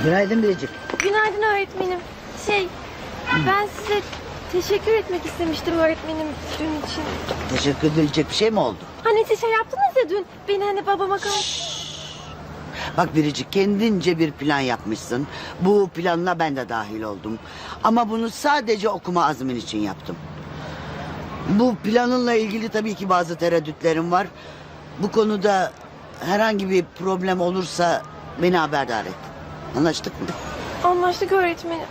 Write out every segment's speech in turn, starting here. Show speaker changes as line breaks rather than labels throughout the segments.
Günaydın Biricik.
Günaydın öğretmenim. Ben size teşekkür etmek istemiştim öğretmenim dün için.
Teşekkür edilecek bir şey mi oldu?
Hani siz yaptınız ya dün. Beni hani babama
Bak Biricik, kendince bir plan yapmışsın. Bu planına ben de dahil oldum. Ama bunu sadece okuma azmin için yaptım. Bu planınla ilgili tabii ki bazı tereddütlerim var. Bu konuda herhangi bir problem olursa beni haberdar et. Anlaştık mı?
Anlaştık öğretmenim.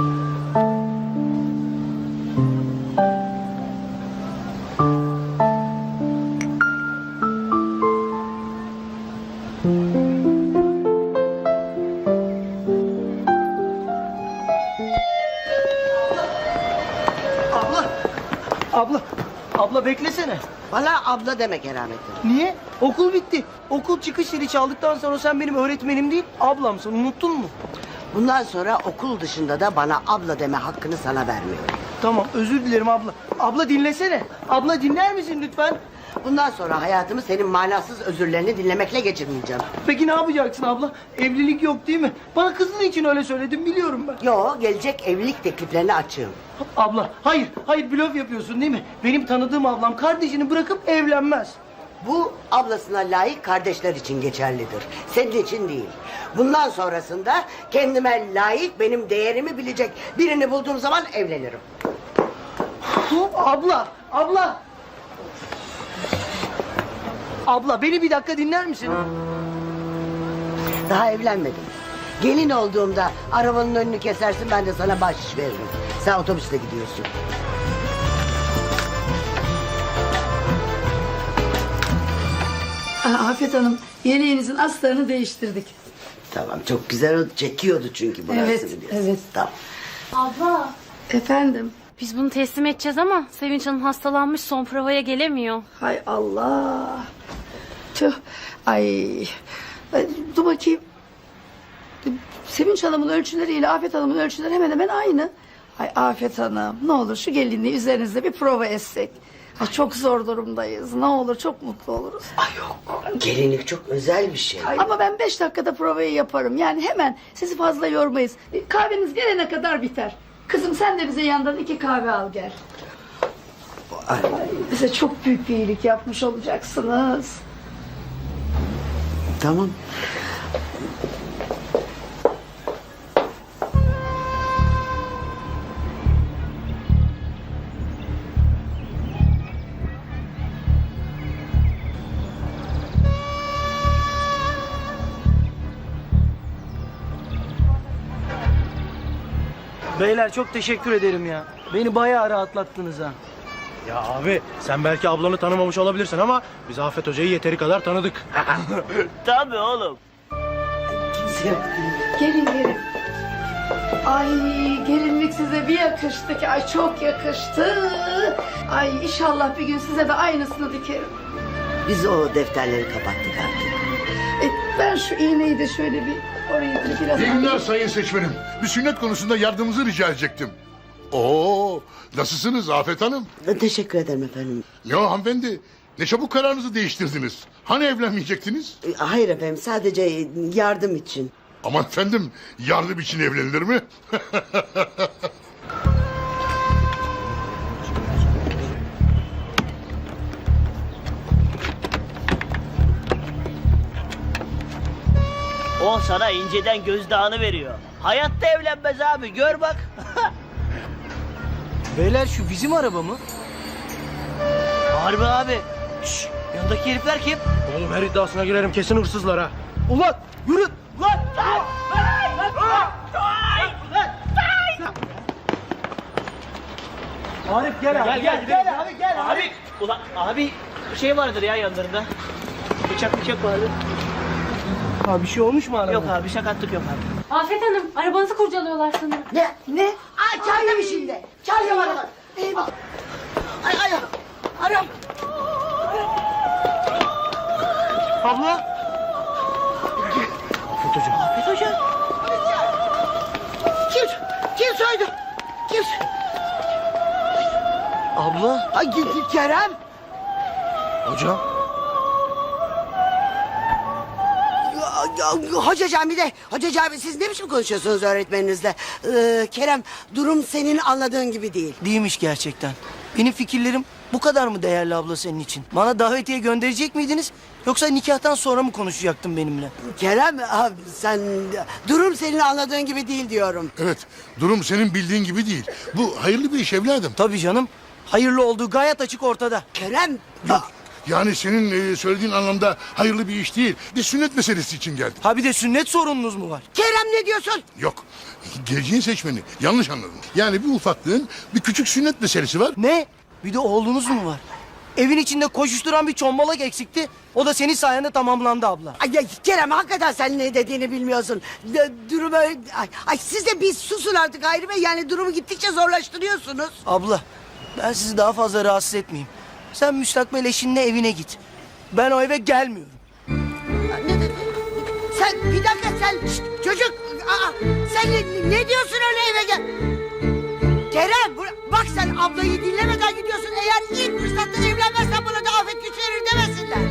Abla beklesene.
Bana abla deme Keramettin.
Niye? Okul bitti. Okul çıkış zili çaldıktan sonra sen benim öğretmenim değil, ablamsın. Unuttun mu?
Bundan sonra okul dışında da bana abla deme hakkını sana vermiyorum.
Tamam, özür dilerim abla. Abla dinlesene. Abla dinler misin lütfen?
Bundan sonra hayatımı senin manasız özürlerini dinlemekle geçirmeyeceğim.
Peki ne yapacaksın abla? Evlilik yok değil mi? Bana kızın için öyle söyledim, biliyorum ben.
Yo, gelecek evlilik tekliflerine açığım.
Abla, hayır blöf yapıyorsun değil mi? Benim tanıdığım ablam kardeşini bırakıp evlenmez.
Bu ablasına layık kardeşler için geçerlidir. Senin için değil. Bundan sonrasında kendime layık, benim değerimi bilecek birini bulduğum zaman evlenirim.
Abla! Abla beni bir dakika dinler misin?
Daha evlenmedim. Gelin olduğumda arabanın önünü kesersin, ben de sana bahşiş veririm. Sen otobüsle gidiyorsun.
Afet Hanım, yeleğinizin astarını değiştirdik.
Tamam, çok güzel oldu. Çekiyordu çünkü burası,
Evet,
biliyorsun.
evet.
Tamam.
Abla.
Efendim?
Biz bunu teslim edeceğiz ama Sevinç Hanım hastalanmış, son provaya gelemiyor.
Hay Allah. Tüh. Ay. Dur bakayım. Sevinç Hanım'ın ölçüleriyle Afet Hanım'ın ölçüleri hemen hemen aynı. Ay Afet Hanım, ne olur şu gelinliği üzerinizde bir prova etsek. Ay çok zor durumdayız. Ne olur, çok mutlu oluruz.
Ay yok, gelinlik çok özel bir şey.
Ama ben 5 dakikada provayı yaparım. Yani hemen sizi fazla yormayız. Kahveniz gelene kadar biter. Kızım sen de bize yandan 2 kahve al gel.
Ay,
Bize çok büyük bir iyilik yapmış olacaksınız.
tamam.
Beyler çok teşekkür ederim ya. Beni bayağı rahatlattınız ha.
Ya abi sen belki ablanı tanımamış olabilirsin ama biz Afet Hoca'yı yeteri kadar tanıdık.
Tabii oğlum.
Kimse yok.
Gelin. Ay gelinlik size bir yakıştı ki. Ay çok yakıştı. Ay inşallah bir gün size de aynısını dikerim.
Biz o defterleri kapattık artık.
Ben şu iğneyi de şöyle bir orayı biraz...
İyi günler sayın seçmenim. Bir sünnet konusunda yardımınızı rica edecektim. Oo, nasılsınız Afet Hanım?
Teşekkür ederim efendim.
Ya hanımefendi, ne çabuk kararınızı değiştirdiniz. Hani evlenmeyecektiniz?
Hayır efendim, sadece yardım için.
Aman efendim, yardım için evlenilir mi?
O sana inceden gözdağını veriyor. Hayatta evlenmez abi, gör bak.
Beyler şu bizim araba mı?
Harbi abi. Şşş, yanındaki herifler kim?
Oğlum her iddiasına girerim kesin hırsızlar ha.
Ulan yürü.
Lan!
Arif gel abi.
Gel abi gel. Abi, ulan abi şey vardır ya yanlarında. Bıçak vardır.
Abi bir şey olmuş mu araba?
Yok abi sakatlık yok abi.
Afet Hanım, arabanızı kurcalıyorlar sanırım.
Ne? Ay çaldım şimdi. Çaldım arabayı. Eyvah. Ay. Aram.
Abla.
Afet Hoca.
Afet Hoca.
Kim soydu? Kim?
Abla.
Ay Kerem.
Hocam.
Hoca Cami siz ne biçim konuşuyorsunuz öğretmeninizle? Kerem, durum senin anladığın gibi değil.
Değilmiş gerçekten. Benim fikirlerim bu kadar mı değerli abla senin için? Bana davetiye gönderecek miydiniz? Yoksa nikahtan sonra mı konuşacaktın benimle?
Kerem, durum senin anladığın gibi değil diyorum.
Evet, durum senin bildiğin gibi değil. Bu hayırlı bir iş evladım.
Tabii canım. Hayırlı olduğu gayet açık ortada.
Kerem,
Yok, yani senin söylediğin anlamda hayırlı bir iş değil. Bir sünnet meselesi için geldim.
Ha bir de sünnet sorununuz mu var?
Kerem ne diyorsun?
Yok, geleceğin seçmeni. Yanlış anladın. Yani bir ufaklığın bir küçük sünnet meselesi var.
Ne? Bir de oğlunuz mu var? Evin içinde koşuşturan bir çombalak eksikti. O da senin sayende tamamlandı abla.
Ay, Kerem hakikaten sen ne dediğini bilmiyorsun. Durum öyle... Siz de bir susun artık Hayri Bey. Yani durumu gittikçe zorlaştırıyorsunuz.
Abla ben sizi daha fazla rahatsız etmeyeyim. Sen müstakbel eşinle evine git. Ben o eve gelmiyorum.
Sen bir dakika şşt, çocuk. Sen ne diyorsun öyle eve gel? Kerem bak sen ablayı dinlemeden gidiyorsun. Eğer ilk fırsatta evlenmezsen bana da afet güç verir demesinler.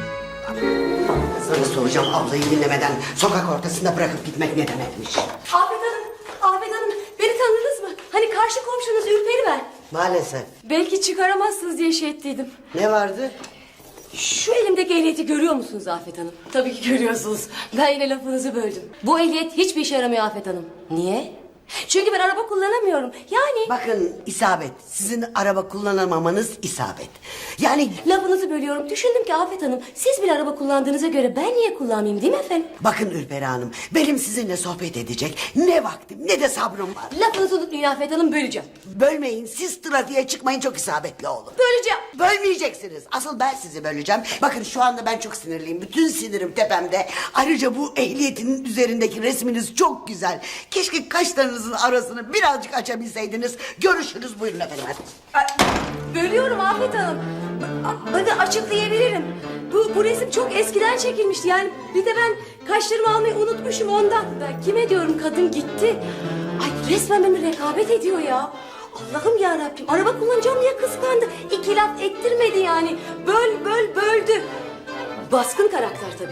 Sana soracağım, ablayı dinlemeden sokak ortasında bırakıp gitmek ne demekmiş?
Afet Hanım, beni tanıdınız mı? Hani karşı komşunuz Ürperi ben.
Maalesef.
Belki çıkaramazsınız diye şey ettiydim.
Ne vardı?
Şu elimdeki ehliyeti görüyor musunuz Afet Hanım? Tabii ki görüyorsunuz. Ben yine lafınızı böldüm. Bu ehliyet hiçbir işe yaramıyor Afet Hanım. Niye? Çünkü ben araba kullanamıyorum. Yani...
Bakın isabet. Sizin araba kullanamamanız isabet. Yani
Lafınızı bölüyorum. Düşündüm ki Afet Hanım, siz bile araba kullandığınıza göre ben niye kullanmayayım değil mi efendim?
bakın Ürperi Hanım, benim sizinle sohbet edecek ne vaktim ne de sabrım var.
Lafınızı unutmayın Afet Hanım, böleceğim.
Bölmeyin, siz trafiğe çıkmayın, çok isabetli olun.
Böleceğim.
Bölmeyeceksiniz. Asıl ben sizi böleceğim. Bakın şu anda ben çok sinirliyim. Bütün sinirim tepemde. Ayrıca bu ehliyetinin üzerindeki resminiz çok güzel. Keşke kaşlarınızın arasını birazcık açabilseydiniz. Görüşürüz, buyurun efendim.
Bölüyorum Afet Hanım. Bakın açıklayabilirim. Bu resim çok eskiden çekilmişti. Yani bir de ben kaşlarımı almayı unutmuşum ondan. Ben kime diyorum, kadın gitti. Ay resmen benimle rekabet ediyor ya. Allah'ım ya Rabbim, araba kullanacağım diye kıskandı. İki laf ettirmedi yani. Böldü. Baskın karakter tabii.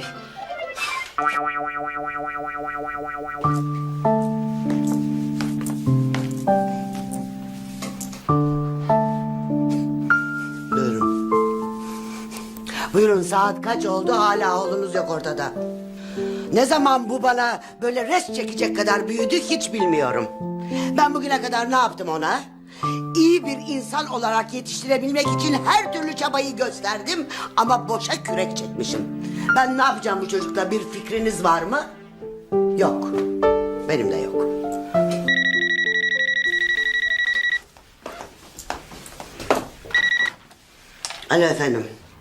Buyurun. Buyurun, saat kaç oldu, hala oğlunuz yok ortada. Ne zaman bu bana böyle res çekecek kadar büyüdü hiç bilmiyorum. Ben bugüne kadar ne yaptım ona? İyi bir insan olarak yetiştirebilmek için her türlü çabayı gösterdim ama boşa kürek çekmişim. Ben ne yapacağım bu çocukla, bir fikriniz var mı? Yok. Benim de yok. Alo efendim.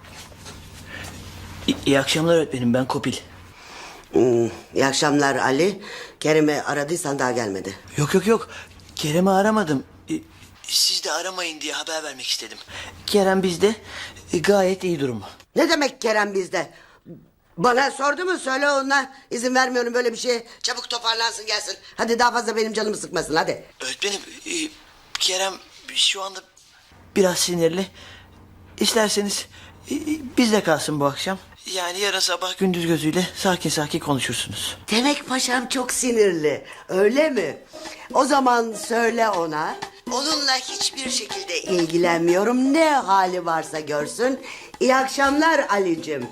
İyi akşamlar öğretmenim, ben Kopil.
İyi akşamlar Ali. Kerem'i aradıysan daha gelmedi.
Yok. Kerem'i aramadım. Siz de aramayın diye haber vermek istedim. Kerem bizde, gayet iyi durumu.
Ne demek Kerem bizde? Bana sordu mu, söyle ona. İzin vermiyorum böyle bir şeye. Çabuk toparlansın gelsin. Hadi daha fazla benim canımı sıkmasın hadi.
Öğretmenim, Kerem şu anda biraz sinirli. İsterseniz bizde kalsın bu akşam. Yani yarın sabah gündüz gözüyle sakin konuşursunuz.
Demek paşam çok sinirli, öyle mi? O zaman söyle ona. Onunla hiçbir şekilde ilgilenmiyorum. Ne hali varsa görsün. İyi akşamlar Ali'cim.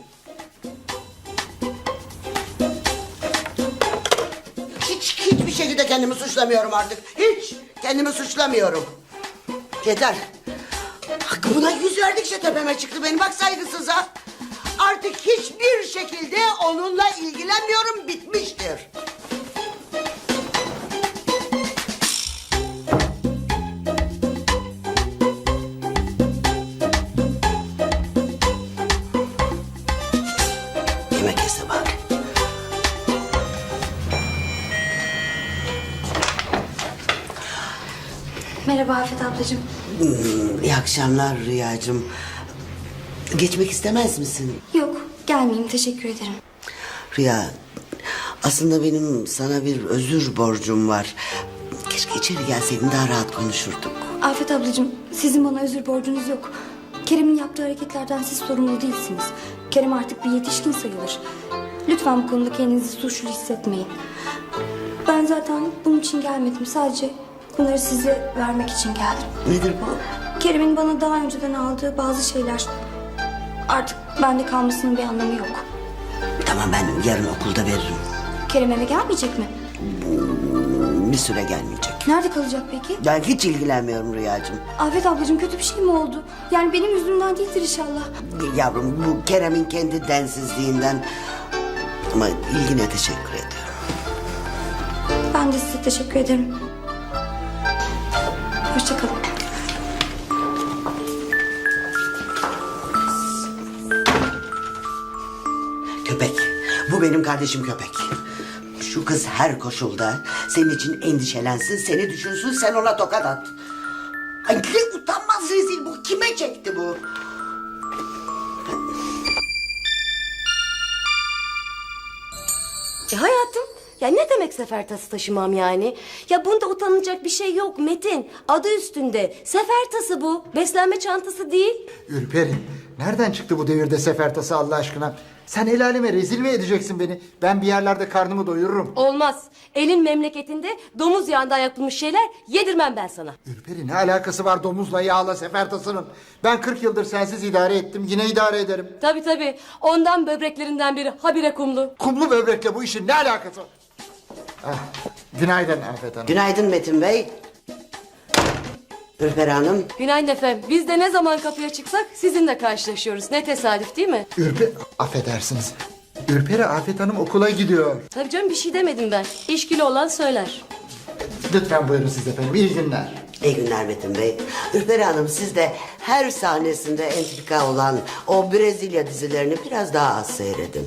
Hiçbir şekilde kendimi suçlamıyorum artık. Hiç kendimi suçlamıyorum. Yeter. Bak buna yüz verdikçe tepeme çıktı benim, bak saygısıza. Artık hiçbir şekilde onunla ilgilenmiyorum, bitmiştir. Yemek yese bak.
Merhaba Afet ablacığım.
İyi akşamlar Rüyacığım. Geçmek istemez misin?
Yok, gelmeyeyim, teşekkür ederim.
Rüya, aslında benim sana bir özür borcum var. Keşke içeri gelseydin, daha rahat konuşurduk.
Afet ablacığım, sizin bana özür borcunuz yok. Kerem'in yaptığı hareketlerden siz sorumlu değilsiniz. Kerem artık bir yetişkin sayılır. Lütfen bu konuda kendinizi suçlu hissetmeyin. Ben zaten bunun için gelmedim. Sadece bunları size vermek için geldim.
Nedir bu?
Kerem'in bana daha önceden aldığı bazı şeyler artık bende kalmasının bir anlamı yok.
Tamam, ben yarın okulda veririm.
Kerem eve gelmeyecek mi?
Bir süre gelmeyecek.
Nerede kalacak peki?
Ben hiç ilgilenmiyorum Rüyacığım.
Afet ablacığım kötü bir şey mi oldu? Yani benim yüzümden değildir inşallah.
Yavrum, bu Kerem'in kendi densizliğinden. Ama ilgine teşekkür ediyorum.
Ben de size teşekkür ederim. Hoşça kalın.
Köpek. Bu benim kardeşim köpek. Şu kız her koşulda senin için endişelensin, seni düşünsün, sen ona tokat at. Ay ne utanmaz rezil bu. Kime çekti bu?
Hayatım, ya ne demek sefer tası taşımam yani? Ya bunda utanılacak bir şey yok Metin. Adı üstünde. Sefer tası bu. Beslenme çantası değil.
Ürperi, nereden çıktı bu devirde sefer tası Allah aşkına? Sen el aleme rezil mi edeceksin beni? Ben bir yerlerde karnımı doyururum.
Olmaz. Elin memleketinde domuz yağından yapılmış şeyler yedirmem ben sana.
Ürperi, ne alakası var domuzla yağla sefer tasının? Ben 40 yıldır sensiz idare ettim, yine idare ederim.
Tabii. Ondan böbreklerinden biri habire kumlu.
Kumlu böbrekle bu işin ne alakası var? Ah, günaydın Afet Hanım.
Günaydın Metin Bey. Ürperi Hanım.
Günaydın efendim. Biz de ne zaman kapıya çıksak sizinle karşılaşıyoruz. Ne tesadüf değil mi?
Affedersiniz. Ürperi, Afet Hanım okula gidiyor.
Tabii canım, bir şey demedim ben. İşkili olan söyler.
Lütfen buyurun siz efendim, iyi günler.
İyi günler Metin Bey. Ürperi Hanım, siz de her sahnesinde entrika olan o Brezilya dizilerini biraz daha az seyredin.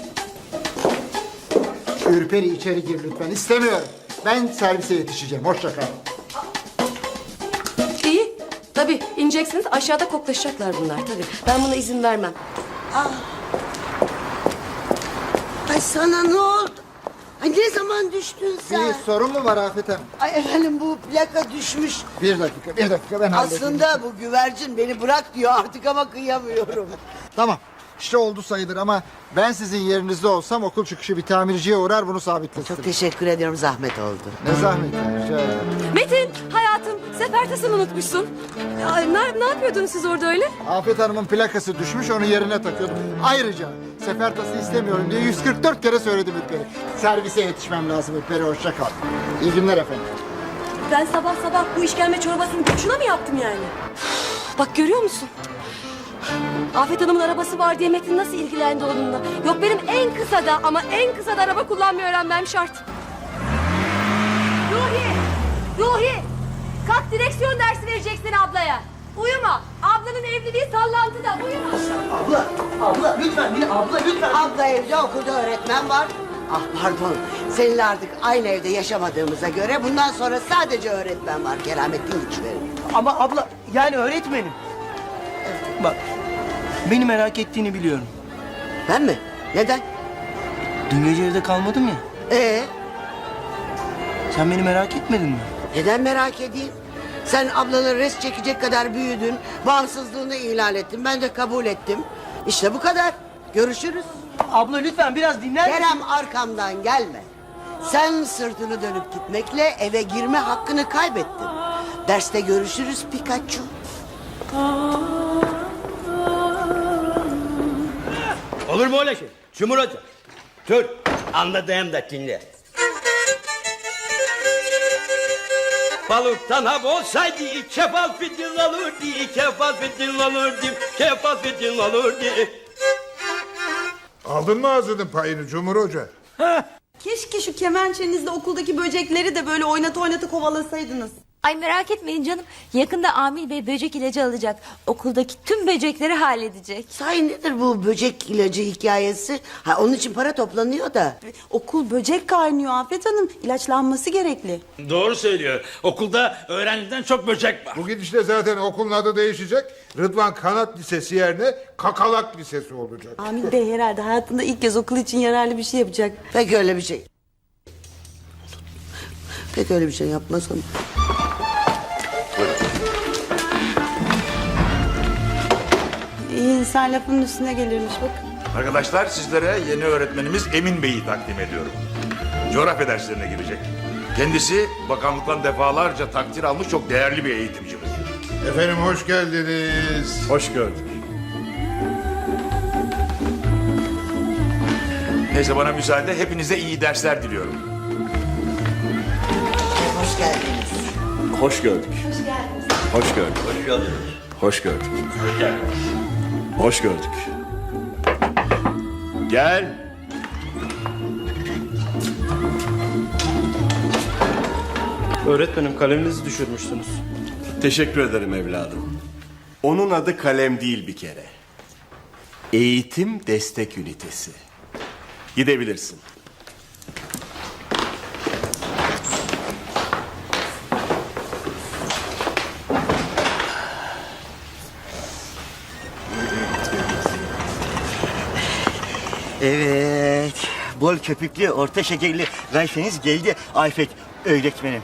Ürperi, içeri gir lütfen, istemiyorum. Ben servise yetişeceğim, hoşça kal.
İyi. Tabii ineceksiniz, aşağıda koklaşacaklar bunlar tabii. Ben buna izin vermem.
Ay sana ne oldu? Ay ne zaman düştün sen?
Bir sorun mu var Afet Hanım?
Ay efendim, bu plaka düşmüş.
Bir dakika ben halledeyim.
Aslında bu güvercin beni bırak diyor artık ama kıyamıyorum.
Tamam, işte oldu sayılır ama ben sizin yerinizde olsam okul çıkışı bir tamirciye uğrar bunu sabitletirim.
Çok teşekkür ediyorum, zahmet oldu.
Ne zahmet, rica ederim.
Metin, hayatım, sefer tasını unutmuşsun. Ya, ne yapıyordunuz siz orada öyle?
Afet Hanım'ın plakası düşmüş, onu yerine takıyordum. Ayrıca sefer tası istemiyorum diye 144 kere söyledim Ürperi. Servise yetişmem lazım Ürperi, hoşça kal. İyi günler efendim.
Ben sabah bu işkembe çorbasını boşuna mı yaptım yani? Bak görüyor musun? Afet Hanım'ın arabası var diye Metin nasıl ilgilendi onunla? Yok, benim en kısa da araba kullanmayı öğrenmem şart. Ruhi! Kalk, direksiyon dersi vereceksin ablaya. Uyuma. Ablanın evliliği sallantıda. Uyuma.
Abla lütfen lütfen.
Abla evde, okulda öğretmen var. Ah pardon, seninle artık aynı evde yaşamadığımıza göre bundan sonra sadece öğretmen var. Keramettin güçlerim.
Ama abla yani öğretmenim. Bak, beni merak ettiğini biliyorum.
Ben mi? Neden?
Dün gece evde kalmadım ya. Sen beni merak etmedin mi?
Neden merak edeyim? Sen ablanın res çekecek kadar büyüdün. Bağımsızlığını ilan ettin. Ben de kabul ettim. İşte bu kadar. Görüşürüz.
Abla lütfen biraz dinler misin?
Kerem, arkamdan gelme. Sen sırtını dönüp gitmekle eve girme hakkını kaybettin. Derste görüşürüz Pikachu.
Olur mu öyle şey? Cumhur Hoca. Dur. Anladığım da dinle. Balıktan hap olsaydı kefal fitil olurdu, kefal fitil olurdu, kefal fitil olurdu.
Aldın mı ağzının payını Cumhur Hoca?
Keşke şu kemençenizle okuldaki böcekleri de böyle oynata kovalasaydınız.
Ay merak etmeyin canım. Yakında Amil Bey böcek ilacı alacak. Okuldaki tüm böcekleri halledecek.
Sahi nedir bu böcek ilacı hikayesi? Ha, onun için para toplanıyor da.
Okul böcek kaynıyor Afet Hanım. İlaçlanması gerekli.
Doğru söylüyor. Okulda öğrenciden çok böcek var.
Bu gidişle zaten okulun adı değişecek. Rıdvan Kanat Lisesi yerine Kakalak Lisesi olacak.
Amil Bey herhalde hayatında ilk kez okul için yararlı bir şey yapacak.
Pek öyle bir şey. Pek öyle bir şey yapmasam.
İyi insan lafının üstüne gelirmiş bakın.
Arkadaşlar sizlere yeni öğretmenimiz Emin Bey'i takdim ediyorum. Coğrafya derslerine girecek. Kendisi bakanlıktan defalarca takdir almış çok değerli bir eğitimcimiz.
Efendim hoş geldiniz.
Hoş gördük. Neyse bana müsaade hepinize iyi dersler diliyorum.
Hoş geldiniz.
Hoş gördük. Hoş gördük.
Hoş geldiniz.
Hoş gördük. Hoş gördük. Gel.
Öğretmenim kaleminizi düşürmüşsünüz.
Teşekkür ederim evladım. Onun adı kalem değil bir kere. Eğitim destek ünitesi. Gidebilirsin.
Evet. Bol köpüklü, orta şekerli rayfeniz geldi Afet öğretmenim.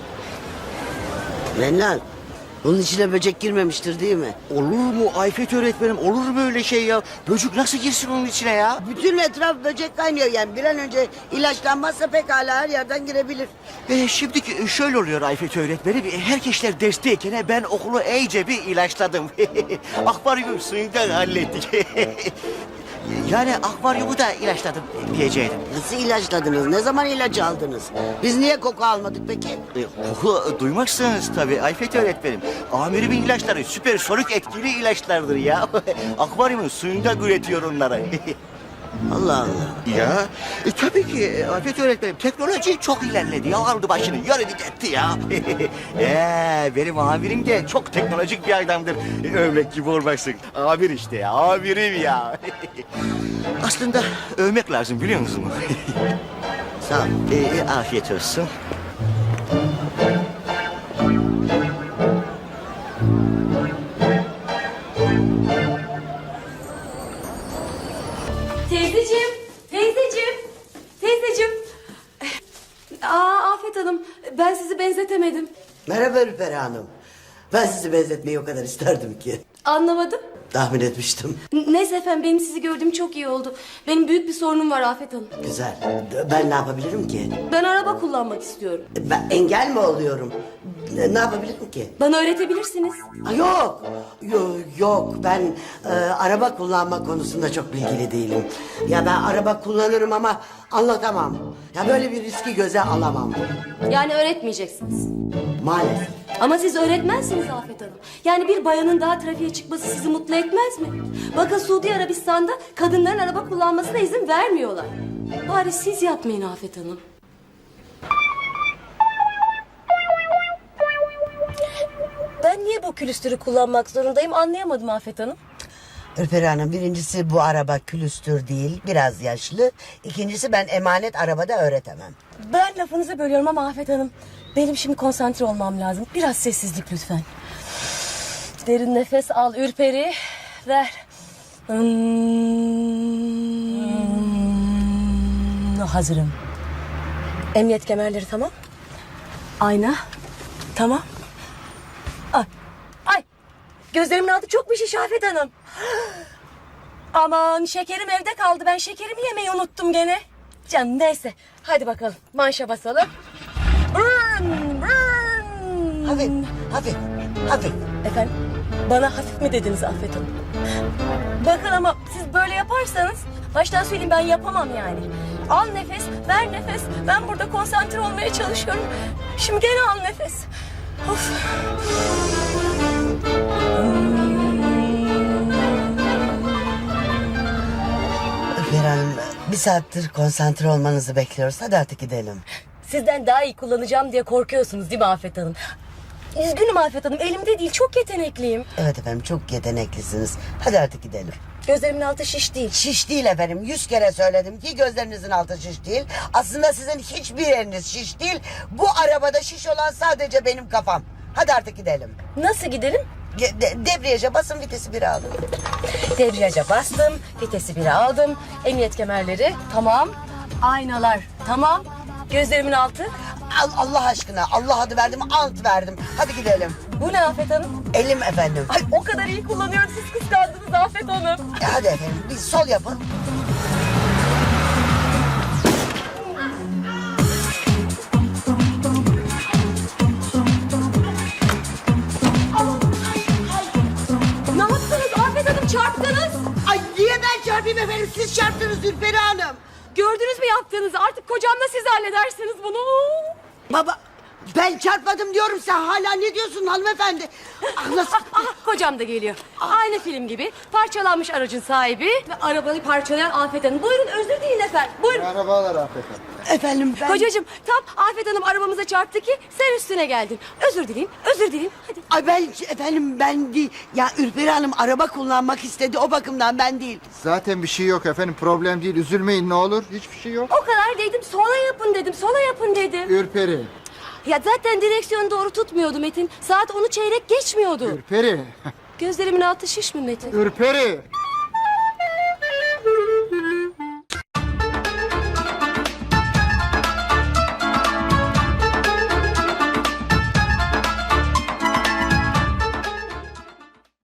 Menlan, bunun içine böcek girmemiştir değil mi?
Olur mu Afet öğretmenim? Olur mu öyle şey ya? Böcek nasıl girsin onun içine ya?
Bütün etraf böcek kaynıyor yani. Bir an önce ilaçlanmazsa pekala her yerden girebilir.
Şimdi şöyle oluyor Afet öğretmenim. Herkesler dersteyken ben okulu iyice bir ilaçladım. Akvaryum suyundan hallettik. Yani akvaryumu da ilaçladım diyecektim.
Nasıl ilaçladınız? Ne zaman ilacı aldınız? Biz niye koku almadık peki?
Koku duymazsınız tabii Ayfet öğretmenim. Amirimin ilaçları süpersonik etkili ilaçlardır ya. Akvaryumun suyunda üretiyor onları.
Allah Allah.
Ya tabii ki Afet öğretmenim teknoloji çok ilerledi ya, aldı başını yürüdü gitti ya. Benim amirim de çok teknolojik bir adamdır. Övmek gibi olmasın. Amir işte ya, amirim ya. Aslında övmek lazım biliyor musunuz?
Sağ ol.
Afiyet olsun.
Teyzeciğim, teyzeciğim, teyzeciğim. Afet Hanım, ben sizi benzetemedim.
Merhaba Ürperi Hanım. Ben sizi benzetmeyi o kadar isterdim ki.
Anlamadım.
Tahmin etmiştim.
Neyse efendim, benim sizi gördüğüm çok iyi oldu. Benim büyük bir sorunum var Afet Hanım.
Güzel. Ben ne yapabilirim ki?
Ben araba kullanmak istiyorum.
Ben engel mi oluyorum? Ne yapabilirim ki?
Bana öğretebilirsiniz.
Yok. Yok. Ben araba kullanma konusunda çok bilgili değilim. Ya ben araba kullanırım ama anlatamam. Ya böyle bir riski göze alamam.
Yani öğretmeyeceksiniz.
Maalesef.
Ama siz öğretmensiniz Afet Hanım. Yani bir bayanın daha trafiğe çıkması sizi mutlu etmez mi? Bakın Suudi Arabistan'da kadınların araba kullanmasına izin vermiyorlar. Bari siz yapmayın Afet Hanım. Ben niye bu külüstürü kullanmak zorundayım anlayamadım Afet Hanım.
Ürperi Hanım, birincisi bu araba külüstür değil, biraz yaşlı. İkincisi ben emanet arabada öğretemem.
Ben lafınızı bölüyorum ama Afet Hanım, benim şimdi konsantre olmam lazım. Biraz sessizlik lütfen. Derin nefes al Ürperi. Ver. Hazırım. Emniyet kemerleri tamam. Ayna. Tamam. Ay. Gözlerimin altı çok bir şiş Afet Hanım. Aman şekerim evde kaldı. Ben şekerimi yemeyi unuttum gene. Canım neyse. Hadi bakalım. Manşa basalım.
Hafif.
Efendim? Bana hafif mi dediniz Afet Hanım? Bakın ama siz böyle yaparsanız baştan söyleyeyim ben yapamam yani. Al nefes, ver nefes. Ben burada konsantre olmaya çalışıyorum. Şimdi gene al nefes. Of.
Ürperi Hanım, bir saattir konsantre olmanızı bekliyoruz. Hadi artık gidelim.
Sizden daha iyi kullanacağım diye korkuyorsunuz değil mi Afet Hanım? Üzgünüm Afet Hanım, elimde değil, çok yetenekliyim.
Evet efendim, çok yeteneklisiniz. Hadi artık gidelim.
Gözlerimin altı şiş değil.
Şiş değil efendim. 100 kere söyledim ki gözlerinizin altı şiş değil. Aslında sizin hiçbir yeriniz şiş değil. Bu arabada şiş olan sadece benim kafam. Hadi artık gidelim.
Nasıl gidelim?
Debriyaja basın, vitesi 1'e alın.
Debriyaja bastım, vitesi 1'e aldım. Emniyet kemerleri tamam. Aynalar tamam. Gözlerimin altı.
Allah aşkına, Allah adı verdim, ant verdim. Hadi gidelim.
Bu ne Afet Hanım?
Elim efendim.
Ay o kadar iyi kullanıyorum siz kıskandınız Afet Hanım.
Hadi efendim bir sol yapın.
Ne yaptınız Afet Hanım çarptınız.
Ay niye ben çarpayım efendim? Siz çarptınız Ülperi Hanım.
Gördünüz mü yaptığınızı artık kocamla siz halledersiniz bunu.
Baba ben çarpmadım diyorum, sen hala ne diyorsun hanımefendi? Ah, nasıl?
Kocam da geliyor. Aynı film gibi parçalanmış aracın sahibi ve arabayı parçalayan Afet Hanım. Buyurun özür dileyin efendim. Buyurun.
Merhabalar Afet Hanım.
Efendim ben...
Kocacığım tam Afet Hanım arabamıza çarptı ki sen üstüne geldin. Özür dileyim, özür dileyim. Hadi.
Ay ben efendim ben değil. Ya Ülperi Hanım araba kullanmak istedi, o bakımdan ben değil.
Zaten bir şey yok efendim, problem değil, üzülmeyin ne olur, hiçbir şey yok.
O kadar dedim sola yapın dedim, sola yapın dedim.
Ürperi,
Ya zaten direksiyonu doğru tutmuyordu Metin. Saat 10'u çeyrek geçmiyordu.
Ürperi,
Gözlerimin altı şiş mi Metin?
Ürperi.